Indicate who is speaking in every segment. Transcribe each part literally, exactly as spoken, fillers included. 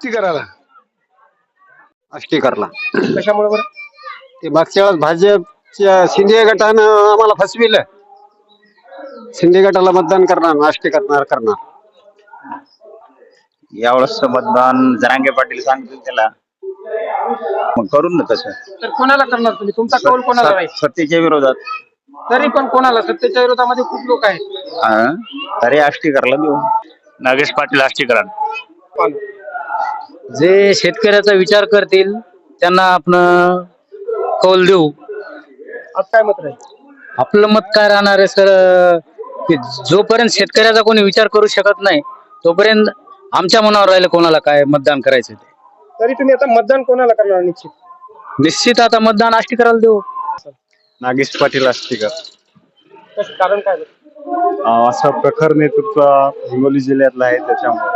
Speaker 1: करायला
Speaker 2: आष्टीकरला
Speaker 1: कशामुळे बरं?
Speaker 2: ते मागच्या वेळेस भाजपच्या शिंदे गटानं आम्हाला फसविलं. शिंदे गटाला मतदान करणार, आष्टी करणार करणार
Speaker 3: यावेळेस मतदान जरांगे पाटील सांगतील त्याला, मग करून ना तसं.
Speaker 1: तर कोणाला करणार तुम्ही? तुमचा कौल कोणाला राहील?
Speaker 3: सत्तेच्या विरोधात.
Speaker 1: तरी पण कोणाला? सत्तेच्या विरोधामध्ये खूप लोक आहेत.
Speaker 3: हा, तरी आष्टीकरला देऊ. नागेश पाटील आष्टीकरण.
Speaker 4: जे शेतकऱ्याचा विचार करतील त्यांना आपण कौल देऊ.
Speaker 1: आज काय मत राहील?
Speaker 4: आपलं मत काय राहणार आहे सर, की जोपर्यंत शेतकऱ्याचा कोणी विचार करू शकत नाही तोपर्यंत आमच्या मनावर राहिलं कोणाला काय मतदान करायचं ते.
Speaker 1: तरी तुम्ही आता मतदान कोणाला करणार निश्चित?
Speaker 4: निश्चित आता मतदान आष्टी करायला देऊ.
Speaker 2: नागेश पाटील आष्टीकर.
Speaker 1: कसं कारण काय बरं?
Speaker 2: असा प्रखर नेतृत्व हिंगोली जिल्ह्यातला आहे त्याच्यामुळे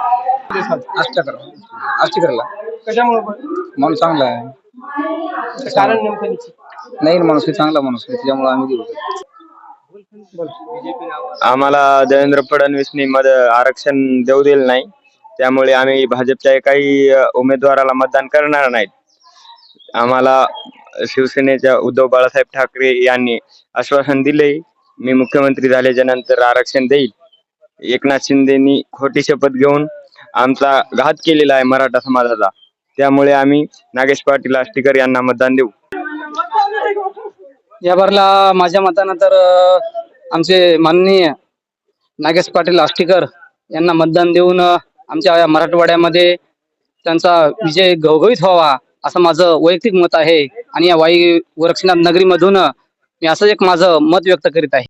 Speaker 4: आष्टीकरला
Speaker 1: कशामुळे बरं?
Speaker 4: माणूस चांगला आहे,
Speaker 1: कारण नेमकं निश्चित
Speaker 4: नाही माणूस चांगला माणूस आहे त्याच्यामुळे आम्ही देऊ.
Speaker 5: आम्हाला देवेंद्र फडणवीसनी मद आरक्षण देऊ दिलं नाही, त्यामुळे आम्ही भाजपच्या काही उमेदवाराला मतदान करणार नाहीत. आम्हाला शिवसेनेच्या उद्धव बाळासाहेब ठाकरे यांनी आश्वासन दिले, मी मुख्यमंत्री झाल्याच्या नंतर आरक्षण देईल. एकनाथ शिंदेनी खोटी शपथ घेऊन आमचा घात केलेला आहे मराठा समाजाचा, त्यामुळे आम्ही नागेश पाटील आष्टीकर यांना मतदान देऊ.
Speaker 4: या बारला माझ्या मतानं तर आमचे माननीय नागेश पाटील आष्टीकर यांना मतदान देऊन आमच्या मराठवाड्यामध्ये त्यांचा विजय घवघवीत व्हावा असं माझं वैयक्तिक मत आहे. आणि या वाई गोरक्षनाथ नगरीमधून मी असं एक माझं मत व्यक्त करीत आहे.